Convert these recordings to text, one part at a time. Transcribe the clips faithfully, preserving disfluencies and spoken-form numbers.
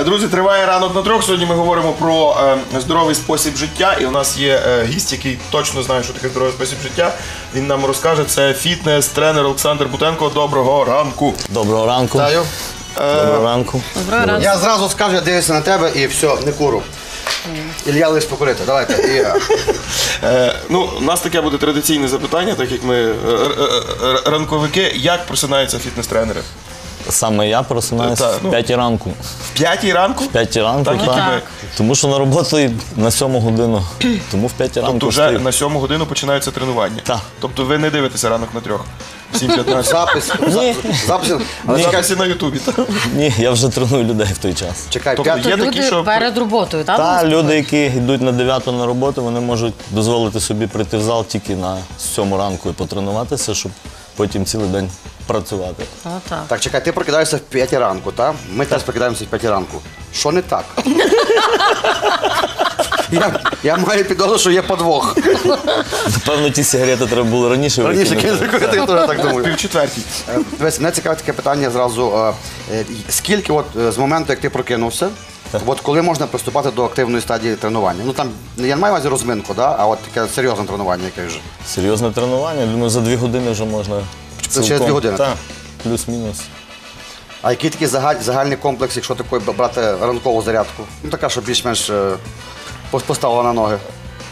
Друзі, триває ранок на трьох. Сьогодні ми говоримо про е, здоровий спосіб життя. І у нас є е, гість, який точно знає, що таке здоровий спосіб життя. Він нам розкаже. Це фітнес-тренер Олександр Бутенко. Доброго ранку. Доброго ранку. Вітаю. Доброго ранку. Доброго ранку. Я зразу скажу, я дивлюся на тебе і все, не куру. Ілля лиш покурити. Давайте. І... Е, ну, у нас таке буде традиційне запитання, так як ми е, е, е, ранковики. Як просинаються фітнес-тренери? Саме я просинаюся Та, в ну. п'ятій ранку. В п'ятій ранку? В п'ятій ранку, Так, так. так. Тому що на роботу на сьому годину. Тому в п'ятій ранку Тобто вже встаю. на сьому годину починаються тренування? Так. Тобто ви не дивитеся ранок на трьох? сім п'ятнадцять. Запис. Ні. Запис. Але Ні. чекай, Записи на Ютубі. так? Ні, я вже треную людей в той час. чекай, Тобто п'ять. є Люди такі, що... перед роботою, так? Та люди, які йдуть на дев'яту на роботу, вони можуть дозволити собі прийти в зал тільки на сьому ранку і потренуватися, щоб потім цілий день працювати. О, так. Так, чекай, ти прокидаєшся в п'ятій ранку, так? Ми теж прокидаємося в п'ятій ранку. Що не так? я, я маю підозру, що є подвох. Напевно, ті сигарети треба було раніше Раніше викинути. кінця, я теж так думаю. Півчетвертій. Е, Дивись, мене цікавить таке питання зразу. е, е, Скільки от е, з моменту, як ти прокинувся, от коли можна приступати до активної стадії тренування? Ну там, я не маю на увазі розминку, да? А от таке серйозне тренування, яке вже. Серйозне тренування, думаю, за дві години вже можна. Це через дві години? Так, плюс-мінус. А який такий загаль- загальний комплекс, якщо такий брати ранкову зарядку? Ну така, щоб більш-менш е, пос- поставила на ноги.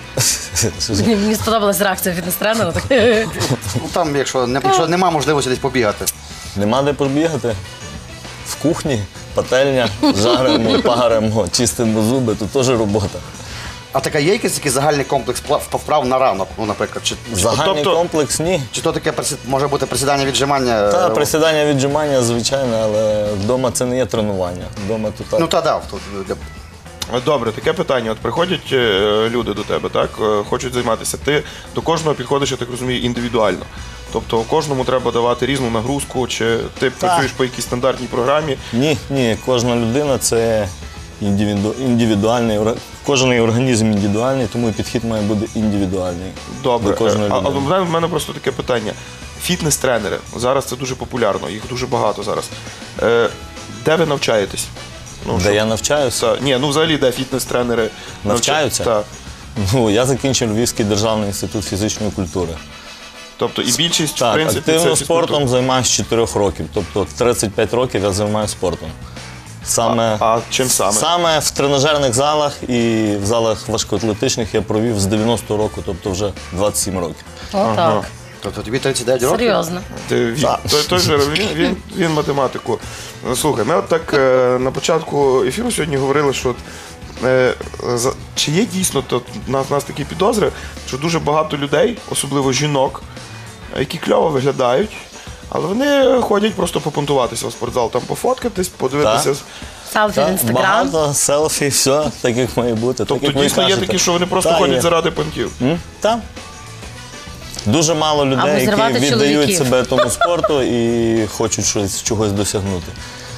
Мені, мені сподобалась реакція фітнес-тренера. так. Ну там, якщо, не, якщо нема можливості десь побігати. Нема де побігати. В кухні, пательня, жаримо, паримо, чистимо зуби, тут теж робота. А така є якийсь такий загальний комплекс пла- вправ на ранок, ну, наприклад? Чи, чи, Загальний тобто- комплекс ні. чи то таке присід- може бути присідання, віджимання? Та е, присідання, віджимання, звичайно, але вдома це не є тренування. Вдома тут так. Ну та да. Тут, е, Добре, таке питання. От приходять е, люди до тебе, так? Е, хочуть займатися. Ти до кожного підходиш, я так розумію, індивідуально. Тобто кожному треба давати різну нагрузку, чи ти працюєш по якійсь стандартній програмі. Ні, ні, кожна людина це індивіду... індивідуальний, ор- кожен організм індивідуальний, тому і підхід має бути індивідуальний. Добре. До кожної Е, А, а людини. в мене, в мене просто таке питання. Фітнес-тренери. Зараз це дуже популярно, їх дуже багато зараз. Е, де ви навчаєтесь? Ну, Де щоб- я навчаюся? Та, ні, ну взагалі, де фітнес-тренери Навчаються? Так. Ну, я закінчив Львівський державний інститут фізичної культури. Тобто і більшість, в Так, принципі, це активно фізкультура. спортом займаюся з чотирьох років. Тобто тридцять п'ять років я займаюся спортом. Саме, А, а чим саме? Саме в тренажерних залах і в залах важкоатлетичних я провів з дев'яностого року, тобто вже двадцять сім років. О, так. тобто тобі тридцять дев'ять років? Серйозно. Ти, він, Так. той, той же, він, він, він математику. Ну, слухай, ми от так е, на початку ефіру сьогодні говорили, що е, за, чи є дійсно то, у нас, у нас такі підозри, що дуже багато людей, особливо жінок, які кльово виглядають, але вони ходять просто попунтуватися в спортзал, там пофоткатись, подивитися. Так. Селфі в Так, інстаграм. багато селфі, все так, як має бути. Тобто так, як ви дійсно є кажете. такі, що вони просто Та, ходять є. заради понтів. М? Так. Дуже мало Або людей, які зривати віддають чоловіків. себе тому спорту і хочуть щось, чогось досягнути.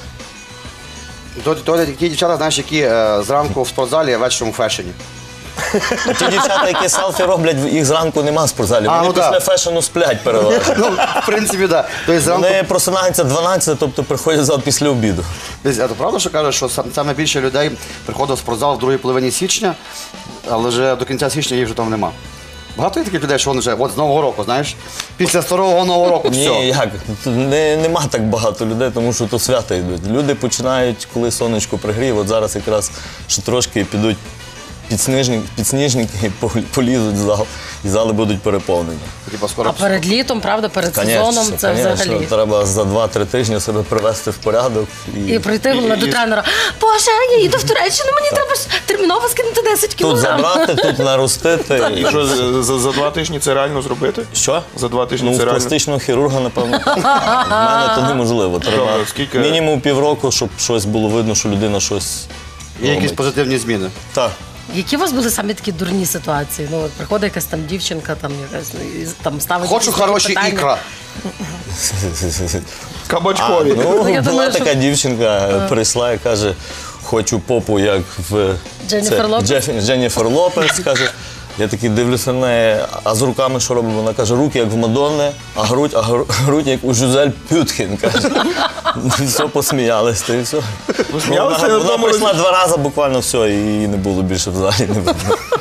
То, то ті дівчата, знаєш, які е, зранку в спортзалі, а вечором у фешені. Ті дівчата, які селфі роблять, їх зранку нема в спортзалі. А, Вони ну після так. фешену сплять переважно. Ну, в принципі, так. Тобто зранку... Вони просинаються дванадцять, тобто приходять в зал після обіду. Десь, а то правда, що кажуть, що сам- саме більше людей приходить в спортзал в другій половині січня, але вже до кінця січня їх вже там нема. Багато є таких людей, що вони вже от з Нового року, знаєш, після старого Нового року, все. Ні, як? Не, нема так багато людей, тому що то свята йдуть. Люди починають, коли сонечко пригріє, от зараз якраз ще трошки підуть підсніжники, підсніжники і пол- полізуть в зал, і зали будуть переповнені. Типа, скоро... А перед літом, правда, перед Конечно, сезоном це конечно, взагалі. треба за два-три тижні себе привести в порядок. І прийти головне до і- тренера. Боже, я їду в Туреччину, мені треба ж терміново скинути десять Тут кілограм. забрати, тут наростити. І що, за, за, за два тижні це реально зробити? Що? За два тижні Ну, це в реально? пластичного хірурга, напевно. В мене то неможливо. Треба Добре, скільки- мінімум півроку, щоб щось було видно, що людина щось Є якісь робить. позитивні зміни. Так. Які у вас були самі такі дурні ситуації? Ну, от приходить якась там дівчинка, там якась ну, і там ставить. Хочу якісь хороші питання. ікра. Кабачкові. Ну, Ну, я була думаю, що- така дівчинка, прийшла і каже, хочу попу, як в Дженніфер це, Лопес? Джеф- Дженніфер Лопес, каже, Я такий дивлюся на неї, а з руками що робимо? Вона каже, руки як в Мадонни, а грудь, а гру- грудь як у Жюзель Пюткін, каже. Все, посміялись, та і все. Посміялися Вона, на вона тому прийшла два рази буквально, все, і її не було більше в залі. Не видно.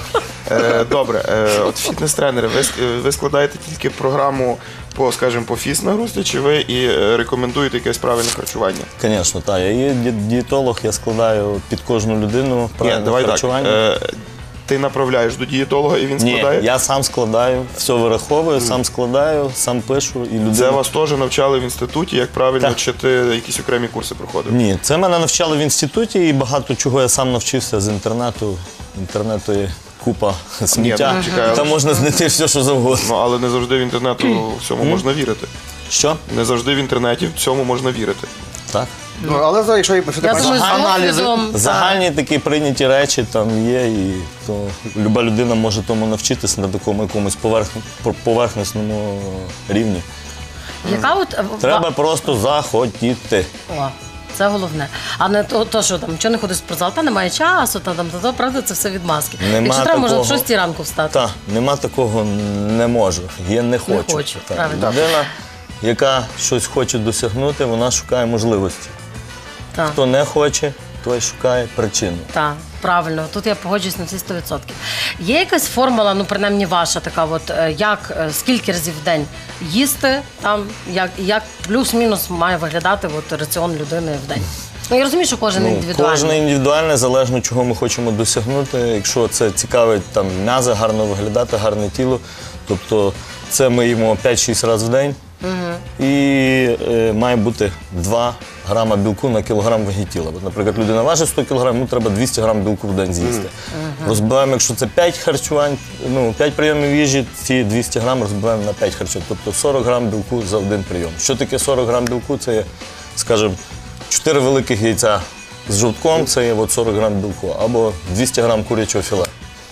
Е, Добре, е, от фітнес-тренери, ви, ск- ви складаєте тільки програму по, скажімо, по фіс-нагрузці, чи ви і е, рекомендуєте якесь правильне харчування? Звісно, так. Я є ді- дієтолог, я складаю під кожну людину Ні, правильне давай так. харчування. Е, Ти направляєш до дієтолога і він Ні, складає? я сам складаю, все вираховую, сам складаю, сам пишу і людина. Це вас теж навчали в інституті, як правильно, Так. чи ти якісь окремі курси проходив? Ні, це мене навчали в інституті і багато чого я сам навчився з інтернету. Інтернету є купа сміття. ну, чекай, але- Там можна знайти все, що завгодно. Ну, але не завжди в інтернету всьому можна вірити. Що? Не завжди в інтернеті всьому можна вірити. Так. Ну, але за- якщо якщо ти Я бачиш думаю, з аналізи, досвідом, Загальні такі прийняті речі там є, і то люба людина може тому навчитися на такому якомусь поверх- поверхностному рівні. яка от е, Треба просто захотіти. О, це головне. А не то, то що там, чого не ходиш в спортзал, та немає часу, та там, та то, правда, це все відмазки. Нема Якщо треба, можна в такого. шостій ранку встати. Так, нема такого не можу. Я не хочу. хочу, Так. правильно. Людина, яка щось хоче досягнути, вона шукає можливості. Так. Хто не хоче, той шукає причину. Так, правильно, тут я погоджуюсь на всі сто відсотків. Є якась формула, ну принаймні ваша така, от е, як е, скільки разів в день їсти, там як, як плюс-мінус має виглядати от, раціон людини в день. Ну я розумію, що кожен Ну, індивідуальний. кожен індивідуальне, залежно чого ми хочемо досягнути. Якщо це цікавить там м'язи, гарно виглядати, гарне тіло, тобто це ми їмо п'ять-шість разів в день. І е, має бути два грама білку на кілограм ваги тіла. От, наприклад, людина важить сто кілограмів, йому треба двісті грам білку в день з'їсти. Розбиваємо, якщо це п'ять харчувань, ну, п'ять прийомів їжі, ці двісті грам розбиваємо на п'ять харчувань. Тобто сорок грам білку за один прийом. Що таке сорок грам білку? Це є, скажімо, чотири великих яйця з жовтком, це є от сорок грам білку, або двісті грам курячого філе.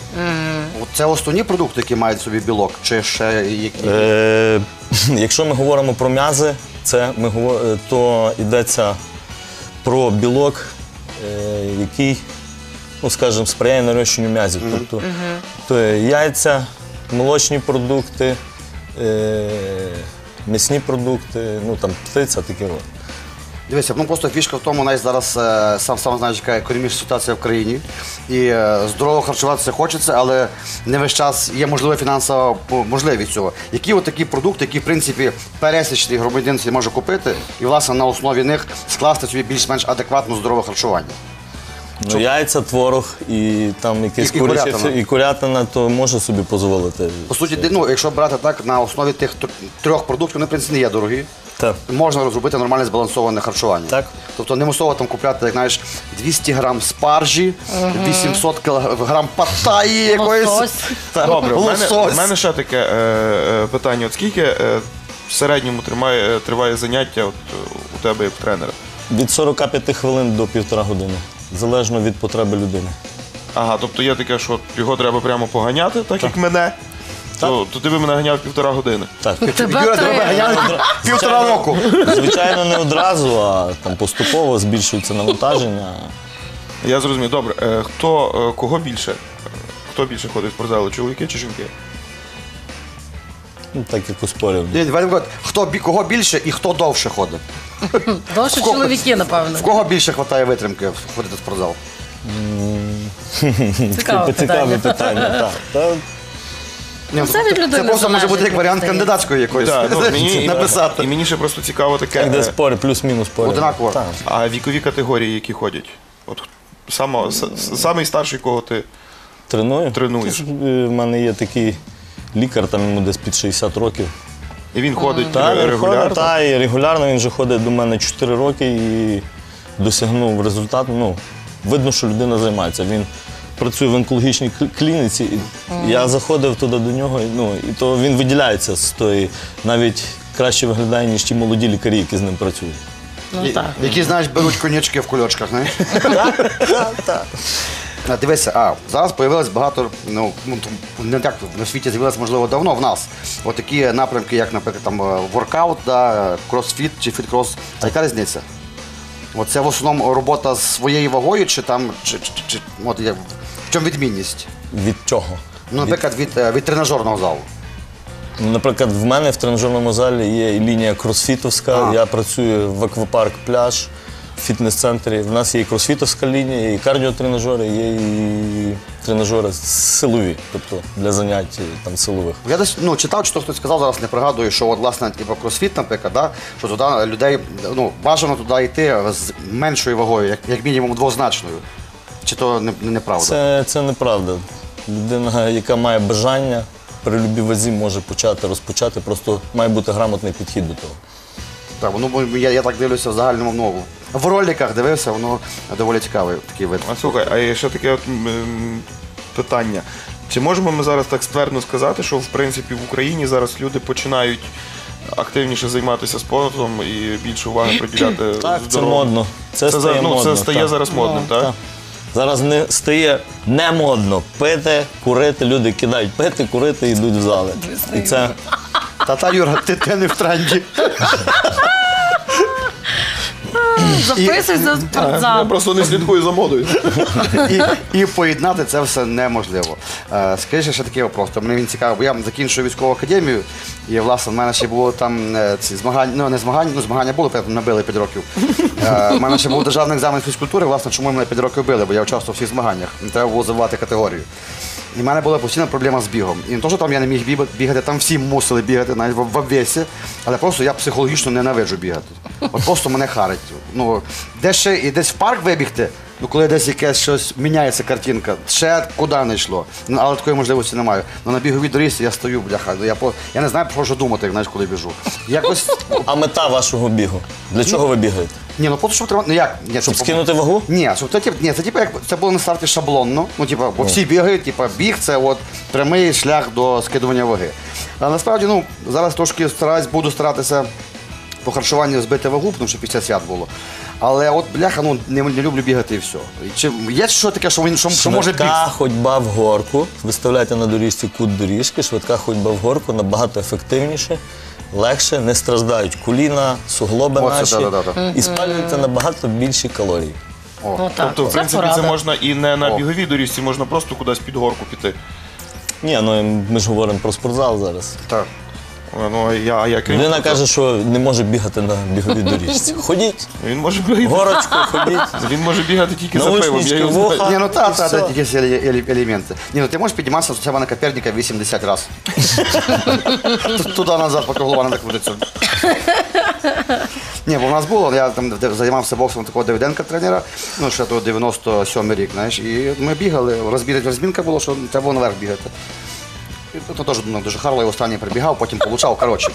от це основні продукти, які мають в собі білок, чи ще які? Е, якщо ми говоримо про м'язи, це ми говор- е, то йдеться про білок, е, який, ну скажімо, сприяє нарощенню м'язів. Тобто то є яйця, молочні продукти, е, м'ясні продукти, ну там птиця, таке. от. Дивися, ну просто фішка в тому, навіть зараз е, сам сам знаєш, яка економічна ситуація в країні. І е, здорово харчуватися хочеться, але не весь час є можлива фінансова по- можливість цього. Які от такі продукти, які в принципі пересічний громадянин собі може купити, і власне на основі них скласти собі більш-менш адекватно здорове харчування. Ну, яйця, творог і там якесь І- і куряче курятина. фі- і курятина, то може собі дозволити. По суті, ти- ну, якщо брати так, на основі тих тр- трьох продуктів, вони в принципі не є дорогі. Так. Можна розробити нормальне збалансоване харчування. Так. Тобто не мусово там купляти, як знаєш, двісті грам спаржі, вісімсот кілограм паттаї якоїсь. Лосось. Та, Добре, в мене, лосось. в мене ще таке е, е, питання. От скільки е, в середньому тримає, е, триває заняття от, е, у тебе як тренера? Від сорока п'яти хвилин до півтора години, залежно від потреби людини. Ага, тобто є таке, що його треба прямо поганяти, так, як мене. То, то ти би мене ганяв півтора години. Так. Тебе Юра, три. тебе ганяють півтора року. Звичайно, не одразу, а там поступово збільшується навантаження. Я зрозумів. Добре, е, хто е, кого більше? Хто більше ходить в спортзал, чоловіки чи жінки? Ну, так як у спорів. Ні, давай так, хто бі- кого більше і хто довше ходить? Довше кого- чоловіки, напевно. В кого більше вистачає витримки ходити в спортзал? Цікаве Цікаве питання. питання. Так. Та, Ні, це від людини це просто може залежить, бути як мені варіант здається. кандидатської якоїсь Так, ну, мені, написати. І мені ще просто цікаво таке. як де е, спори, плюс-мінус спори. Однаково. Так. А вікові категорії, які ходять? От само, с- с- самий старший, кого ти Треную. Тренуєш. Е, В мене є такий лікар, там йому десь під шістдесят років. і він ходить Та, ре- він регулярно. ходить, та, і регулярно він вже ходить до мене чотири роки і досягнув результату. Ну, видно, що людина займається. Він працює в онкологічній кл- клініці. І я заходив туди до нього, і, ну, і то він виділяється з тої, навіть краще виглядає, ніж ті молоді лікарі, які з ним працюють. Ну так. Які, знаєш, беруть конячки в кульочках, знаєш? А, Дивися, а зараз з'явилось багато, ну, ну, там, не так на світі з'явилось, можливо, давно в нас. От такі напрямки, як, наприклад, там е, воркаут, да, кросфіт чи фіт-крос. А яка різниця? От це в основному робота з своєю вагою, чи там, чи, чи, чи от, як, в чому відмінність? Від чого? Ну, наприклад, від, е, від тренажерного залу. Ну, наприклад, в мене в тренажерному залі є і лінія кросфітовська, А. я працюю в аквапарк пляж, в фітнес-центрі. В нас є і кросфітовська лінія, є і кардіотренажери, є і тренажери силові, тобто для занять там, силових. Я десь ну, читав, чи то хтось сказав, зараз не пригадую, що от, власне, типу, кросфіт, наприклад, да, що туди людей, ну, бажано туди йти з меншою вагою, як, як мінімум двозначною. Чи то не- неправда? Це, це неправда. Людина, яка має бажання, при любій вазі може почати, розпочати, просто має бути грамотний підхід до того. Так, ну, бо я, я так дивлюся в загальному, ну, в роликах дивився, воно доволі цікавий такий вид. А слухай, а є ще таке от, м, питання. Чи можемо ми зараз так ствердно сказати, що в принципі в Україні зараз люди починають активніше займатися спортом і більше уваги приділяти Так, це здоров'ю? модно. Це, Це, стає за- ну, модно. це стає так. зараз модним, Ну, так? Зараз не стає не модно пити, курити. Люди кидають пити, курити і йдуть в зали. І це Та-та, Юра, ти, ти не в тренді. Записуйся в Я спортзал. просто не слідкую за модою. І, і поєднати це все неможливо. Е, скажи ще такий вопрос, то мені він цікавий, бо я закінчив військову академію, і власне в мене ще було там е, ці змагання, ну не змагання, ну змагання було, потім набили п'ять років. Е, в мене ще був державний екзамен з фізкультури, власне, чому мене п'ять років били, бо я участвував у всіх змаганнях, не треба було забувати категорію. І в мене була постійна проблема з бігом. І не то, що там я не міг біга- бігати, там всі мусили бігати, навіть в, в обвесі, але просто я психологічно ненавиджу бігати. От просто мене харить. Ну, десь ще і десь в парк вибігти, ну коли десь якесь щось міняється картинка, ще куди не йшло. Ну, але такої можливості немає. Ну на біговій доріжці я стою, бляха. Я, по, я не знаю, про що думати, як, знаєш, коли біжу. Якось. а мета вашого бігу. Для чого ви бігаєте? Ні, ну просто щоб треба. Ну як? Ні, Щоб типу, скинути вагу? Ні, щоб це, тип, ні, це типу як це було на старті шаблонно. Ну, типу, бо всі бігають, типу, біг це от прямий шлях до скидування ваги. А насправді, ну, зараз трошки стараюсь, буду старатися по харчуванню збити вагу, тому що після свят було. Але от бляха, ну не, не люблю бігати і все. І Чи є що таке, що він що, що може біг? Швидка ходьба в горку. Виставляйте на доріжці кут доріжки, швидка ходьба в горку набагато ефективніше, легше, не страждають коліна, суглоби Оце, наші да-да-да. і спалюєте набагато більші калорії. Ну, так. Тобто, в Це принципі, це порада. можна і не на О. біговій доріжці, можна просто кудись під горку піти. Ні, ну ми ж говоримо про спортзал зараз. Так. Ну, я, а я крім Людина того, каже, що не може бігати на біговій доріжці. Ходіть, він може бігати. горочку ходіть. Він може бігати тільки за пивом. Наушнички, Я його вуха. знаю. Ні, ну та, і та, все. та, якісь еле- еле- елементи. Ні, ну ти можеш підніматися з себе на Коперника вісімдесят разів. Туди-назад, поки голова не крутиться. Ні, бо в нас було, я там де- займався боксом такого Давиденка тренера, ну ще то дев'яносто сьомий рік, знаєш, і ми бігали, розбір- розмінка було, що треба було наверх бігати. І то теж ну, дуже харло, я останній прибігав, потім получав, коротше.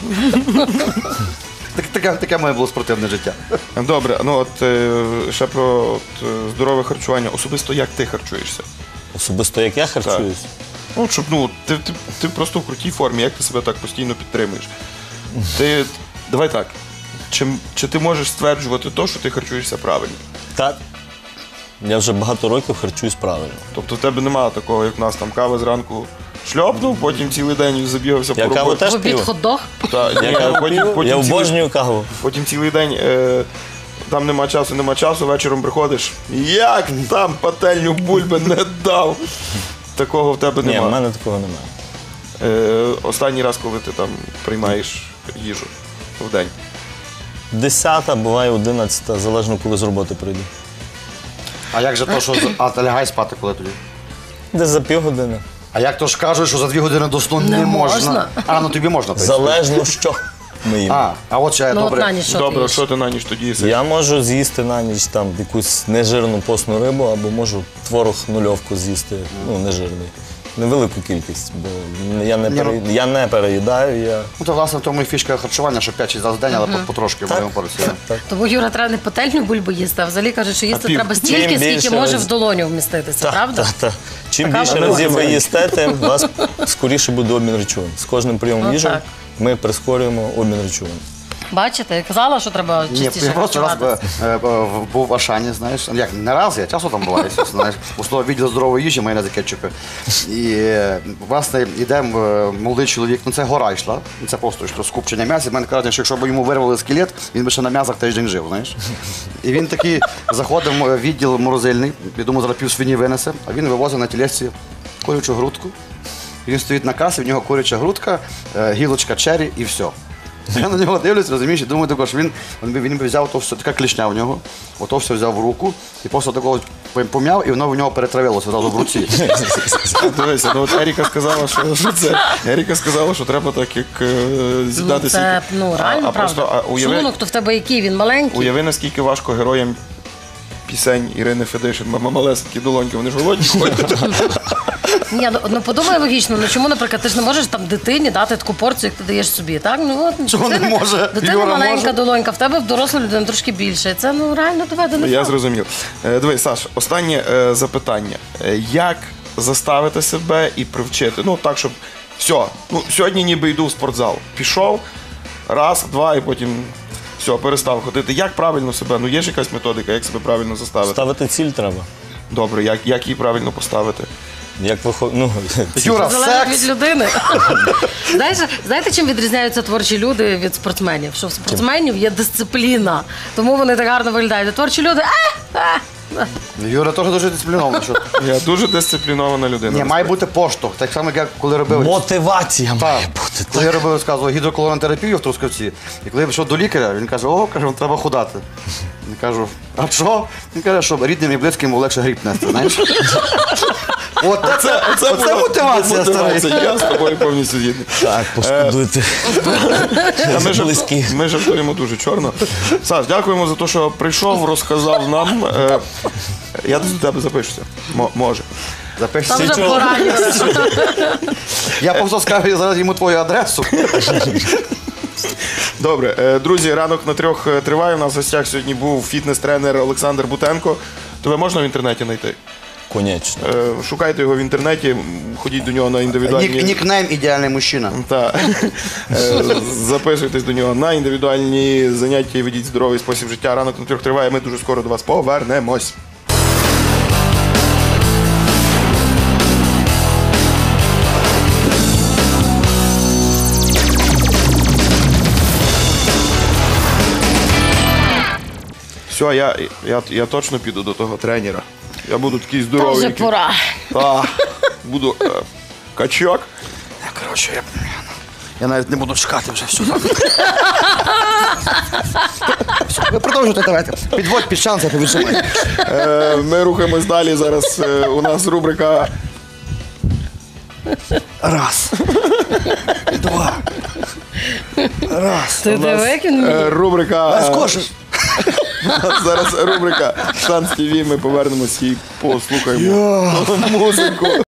Так- Таке, таке моє було спортивне життя. Добре, ну от е, ще про от, е, здорове харчування. Особисто як ти харчуєшся? Особисто як я харчуюсь. Ну, щоб ну, ти, ти, ти просто в крутій формі, як ти себе так постійно підтримуєш? Ти, давай так. Чи, чи ти можеш стверджувати то, що ти харчуєшся правильно? Так. Я вже багато років харчуюсь правильно. Тобто в тебе немає такого, як в нас там кава зранку шльопнув, потім цілий день забігався Я по каву роботі. теж В обід п'ю. хот-дог? Та, ні, Я каву потім, п'ю, потім, я цілий, обожнюю каву. потім цілий день е, там нема часу, нема часу, вечором приходиш. Як там пательню бульби не дав? Такого в тебе Ні, в немає. мене такого немає. Е, останній раз, коли ти там приймаєш їжу в день. Десята, буває одинадцята, залежно коли з роботи прийду. А як же то, що з- а ти лягай спати коли тоді? Десь за півгодини. А як то ж кажуть, що за дві години до сну не, Не можна? можна. А, ну тобі можна. так. Залежно що ми їмо. А, а от ще Ну, от добре. на ніч що ти Добре, їш? що ти на ніч тоді їси? Я можу з'їсти на ніч там якусь нежирну постну рибу, або можу творог нульовку з'їсти, ну нежирний. Невелику кількість, бо я не, Ні, пере... ну- я не переїдаю, я Ну, то, власне, в тому і фішка харчування, що п'ять-шість разів в день, але по- потрошки в моєму порції. Тому Юра треба не пательню бульбу їсти, а взагалі кажуть, що їсти пів- треба чим стільки, більше скільки може раз- в долоню вміститися, правда? Та, та. Чим Така більше вона разів ви буває. їсте, тим у вас скоріше буде обмін речовин. З кожним прийомом Ну, їжі так. ми прискорюємо обмін речовин. Бачите, я казала, що треба Ні, частіше я просто раз харчуватися. е, е, в- був в Ашані, знаєш, як не раз, я часто там буваю, звісно, знаєш, у слово відділ здорової їжі, майонез і кетчупи. І, е, власне, йдемо, е, молодий чоловік, ну це гора йшла, це просто що скупчення м'яса. В мене кажуть, що якщо б йому вирвали скелет, він би ще на м'ясах тиждень жив, знаєш. І він такий заходив в відділ морозильний, я думаю, зараз пів свині винесе, а він вивозив на тілесці колючу грудку, Він стоїть на касі, в нього куряча грудка, е, гілочка чері і все. Я на нього дивлюсь, розумієш, і думаю, також він, він, би- він би взяв то все, така клішня в нього, ото все взяв в руку, і просто такого пом'яв, і воно в нього перетравилося одразу в руці. Дивися, ну от Еріка сказала, що, що це. Еріка сказала, що треба так, як е, Ну, з'їдати це сіль. ну, реально а, а правда. просто, а, уяви, Шлунок то в тебе який, він маленький. уяви, наскільки важко героям пісень Ірини Федишин, мама малесенькі долоньки, вони ж голодні ходять. Ні, ну, ну подумай логічно, ну чому, наприклад, ти ж не можеш там дитині дати таку порцію, як ти даєш собі, так? Ну, от, Чого не дитина- може? Дитина Юра маленька може? долонька, в тебе в доросла людина трошки більше. Це ну реально доведено. Я факт. зрозумів. Е, Дивись, Саш, останнє е, запитання. Е, Як заставити себе і привчити? Ну, так, щоб все, ну, сьогодні ніби йду в спортзал. Пішов, раз, два, і потім все, перестав ходити. Як правильно себе? Ну, є ж якась методика, як себе правильно заставити? Ставити ціль треба. Добре, як, як її правильно поставити? Як виходить, ну, Юра, Залежить від секс. людини. Знаєш, знаєте, чим відрізняються творчі люди від спортсменів? Що в спортсменів є дисципліна, тому вони так гарно виглядають. А творчі люди. А, а. Юра теж дуже дисциплінований. Що... Я дуже дисциплінована людина. Ні, має бути поштовх. Так само, як коли робив. мотивація має Так. бути. Коли я робив, розказував гідроколонотерапію в Трускавці, і коли я пішов до лікаря, він каже, о, каже, треба худати. Я кажу, а що? Він каже, що рідним і близьким легше гріб нести, знаєш? От це, оце, оце мотивація, старий. Мотивація, я з тобою повністю згідний. Так, пошкодуйте. А ми, жар- Близькі. ми жартуємо дуже чорно. Саш, дякуємо за те, що прийшов, розказав нам. Е, Я до тебе запишуся. Мо- може. Запишся. Там вже чого? поранено. Я просто скажу зараз йому твою адресу. Добре, е, друзі, ранок на трьох е, триває. У нас в гостях сьогодні був фітнес-тренер Олександр Бутенко. Тебе можна в інтернеті знайти? Конечно. Е, Шукайте його в інтернеті, м, ходіть до нього на індивідуальні... Нік, нікнейм ідеальний мужчина. Та. Е, Записуйтесь до нього на індивідуальні заняття і ведіть здоровий спосіб життя. Ранок на трьох триває. Ми дуже скоро до вас повернемось. Все, я, я, я точно піду до того тренера. Я буду такий Та здоровий. вже який- пора. Та, буду е, качок. Я, коротше, я, я навіть не буду чекати вже всю. Все, ви продовжуйте, давайте. Підводь під шанс, я повідомляю. Е, Ми рухаємось далі. Зараз е, у нас рубрика Раз. Два. Раз. Ти диви, як він е, рубрика. е, Скошиш. Зараз рубрика Шанс ТВ. Ми повернемось і послухаємо музику.